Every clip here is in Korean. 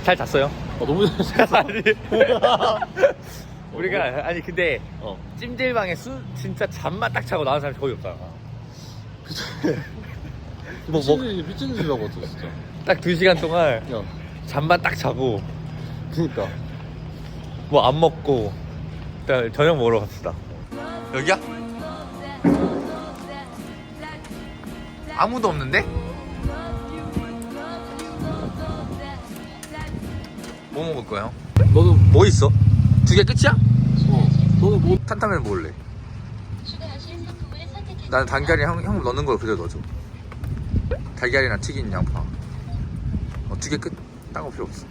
잘 잤어요? 너무 잘 잤어. 아니 우리가 아니 근데 찜질방에 진짜 잠만 딱 자고 나온 사람이 거의 없잖아. 미친 짓이라고 했어 진짜. 딱 2시간 동안 야 잠만 딱 자고 그니까 뭐 안 먹고 일단 저녁 먹으러 갑시다. 여기야? 아무도 없는데? 뭐 먹을 거야 형? 너는 뭐 있어? 2개 끝이야? 너는 뭐 탄탄면 먹을래. 나는 달걀이 형 넣는 걸 그대로 넣어줘. 달걀이나 튀긴 양파. 2개 끝. 딴 거 필요 없어.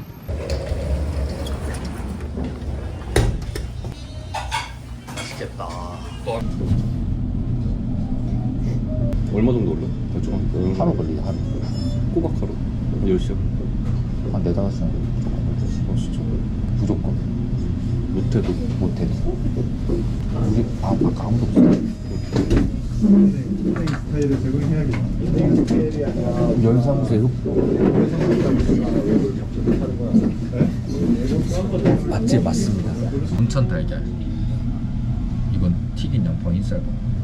맛있겠다. 얼마 정도 올려? 대충 하루 걸리네 하루. 꼬박 하루. 몇 시야? 한 4-5시간 진짜? 무조건 못해도 못해도 우리 아까 아무도 없어. 스타일을 적응해야겠다. 연상새우 맛집 맞습니다. 온천 달걀. 이건 튀긴 양파 인쌀밥.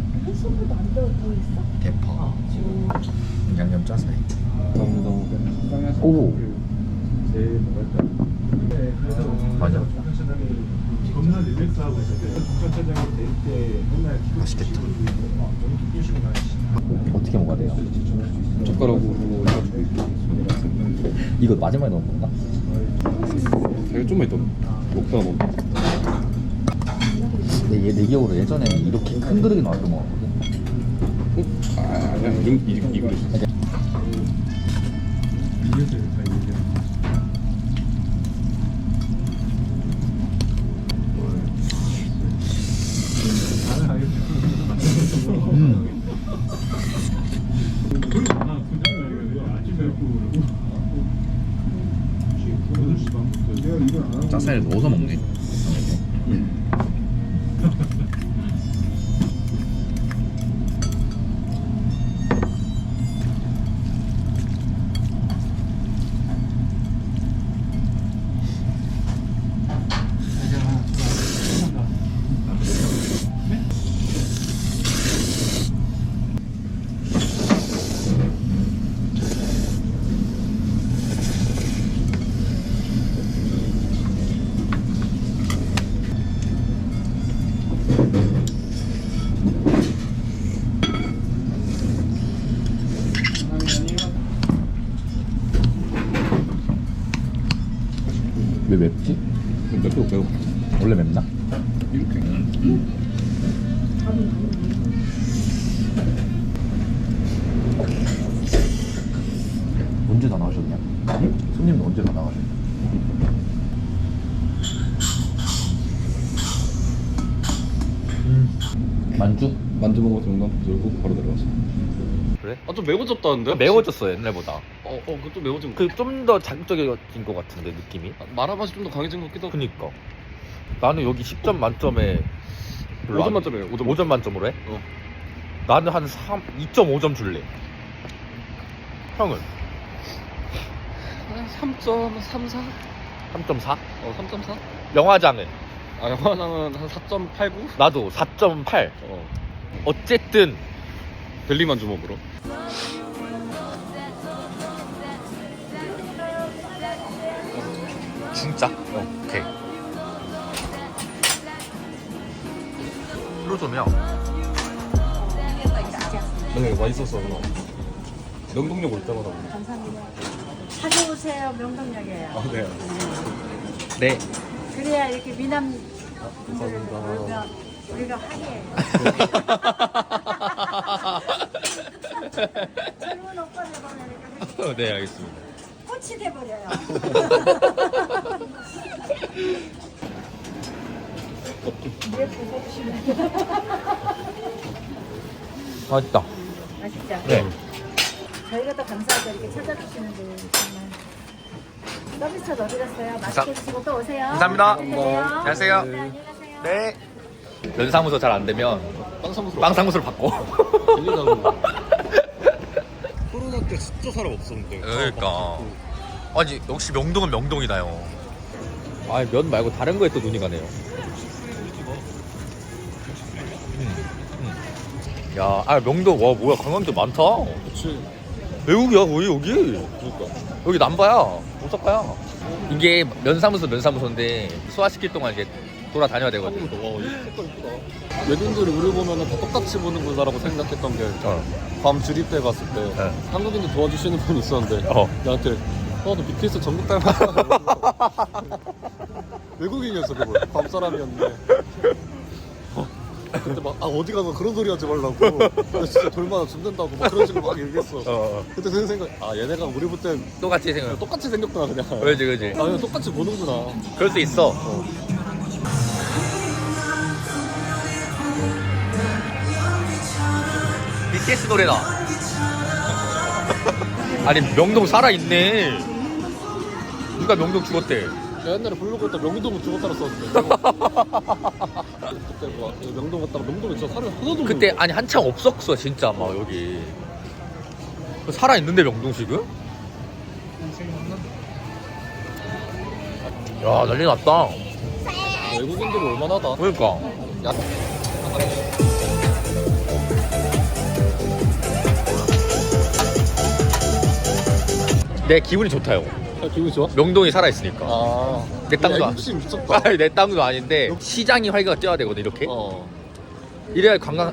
대파. 양념 짜사이. 감사합니다. 오 제일 뭐랄까. 맞아. 겁나 릴렉스하고 있었대. 공천차장이 될때 맨날 맛있겠다. 어떻게 먹어야 돼요? 젓가락으로 이거 마지막에 넣은 건가? 되게 좀만 있다. 먹다가 먹. 근데 내 기억으로 예전에 이렇게 큰 그릇이 나왔던 거 같거든. 아니야 이 그릇. 이겼어요. 다 이겼어요. 나는 알겠어. 짜사이를 넣어서 먹네. 왜 맵지? 맵고 매워. 원래 맵나? 이렇게. 언제 다 나가셨냐? 손님은 언제 다 나가셨냐? 만주? 만두 먹어서 농담 들고 바로 내려왔어. 그래? 좀 매워졌다는데? 매워졌어 옛날보다. 그것도 매워진 거. 그 좀 더 자극적인 것 같은데 느낌이. 마라맛이 좀 더 강해진 것 같기도 하고. 그니까 나는 여기 10점 만점에 5점 만점이에요. 5점 만점으로 해? 어. 나는 한 2.5점 줄래. 형은? 3.34? 3.4? 3.4? 영화장은? 영화장은 한 4.89? 나도 4.8. 어쨌든 벨리만주 먹으러. 진짜? 오케이. 프로좀이야. 네, 맛있었어. 명동역 올 때마다. 감사합니다. 찾아오세요. 명동역이에요. 네. 네. 그래야 이렇게 미남 분들을 감사합니다. 보면 우리가 화려해요. 젊은 오빠들 보면 이렇게 네, 알겠습니다. 꽃이 돼버려요. 예쁘고 보시면 맛있다. 맛있죠? 네. 저희가 더 감사하죠. 이렇게 찾아주시는데 정말. 서비스 어디 갔어요? 맛있게 드시고 또 오세요. 감사합니다. 안녕하세요. 안녕하세요. 네, 안녕히 가세요. 네. 연사무소 잘 안 되면 빵사무소. 빵사무소를 바꿔. 코로나 때 진짜 사람 없었는데. 그러니까. 아니 역시 명동은 명동이다요. 아 면 말고 다른 거에 또 눈이 가네요. 야, 아 명동 와 뭐야 관광객 많다. 그치. 외국이야 거의 여기. 그러니까. 여기 남바야, 오사카야. 이게 면사무소인데 소화시킬 동안 이제 돌아다녀야 되거든. 와, 이 색깔 이쁘다. 외국인들이 우리 보면은 다 똑같이 보는구나라고 생각했던 게 밤 주립 때 갔을 때 네. 한국인들 도와주시는 분이 있었는데 나한테 너 BTS 전국 닮았다. 외국인이었어 그거. 밤 사람이었는데. 근데 막 어디 가서 그런 소리 하지 말라고. 나 진짜 돌마다 죽는다고 막 그런 식으로 막 얘기했어. 그때 드는 생각, 얘네가 우리 볼 땐 똑같이 생각. 똑같이 생겼구나 그냥. 그지. 그냥 똑같이 보는구나. 그럴 수 있어. BTS 노래다. 아니 명동 살아 있네. 누가 명동 죽었대? 내가 옛날에 블로그 했다 명동 죽어 살았었는데. 그때 뭐 명동 갔다가 명동에 진짜 살이 하나도 없는 그때 거야. 아니 한창 없었어 진짜 막 여기. 살아 있는데 명동 지금? 야 난리 났다. 외국인들이 얼마나다. 그러니까. 야. 내 기분이 좋다요. 기분이 좋아? 명동이 살아 있으니까. 내 땅도 안. 욕심 미쳤다. 아니, 내 땅도 아닌데 시장이 활기가 뛰어야 되거든 이렇게. 이래야 관광.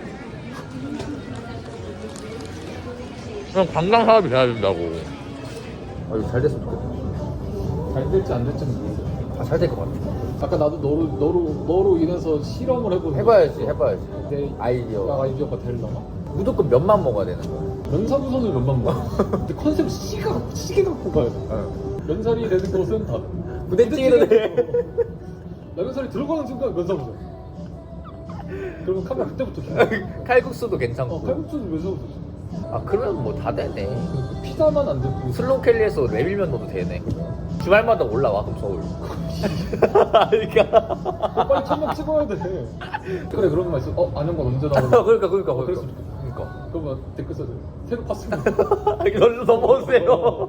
그냥 관광 사업이 돼야 된다고. 아 이거 잘 됐으면 좋겠다. 잘 될지 안 될지는 모르겠어. 잘 될 것 같아. 아까 나도 너로 인해서 실험을 해보는 해봐야지. 내 아이디어. 아이디어가 되려나? 무조건 면만 먹어야 되는 거야. 면사무소는 면만 먹어. 근데 컨셉 시계 갖고 가야 돼. 면살이 되는 곳은 다. 부대찌개도 돼. 나 면살이 들어가는 순간 면사무소. 그러면 카메라 그때부터 켜. 칼국수도 괜찮고. 칼국수도 면사무소. 아 그러면 뭐 다 되네. 피자만 안 되고. 슬롱켈리에서 레밀면 넣어도 되네. 주말마다 올라와 그럼 서울. 그러니까. 빨리 천막 찍어야 돼. 그래 그런 거 있어. 안영건 언제 나오나? 그러니까. 그랬으면 좋겠다. 그러니까. 그러면 댓글 써줘. 새로 팠습니다. 이걸로 넘어오세요.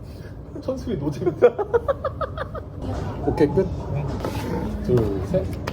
천수이 노잼. 오케이 끝. 둘 셋.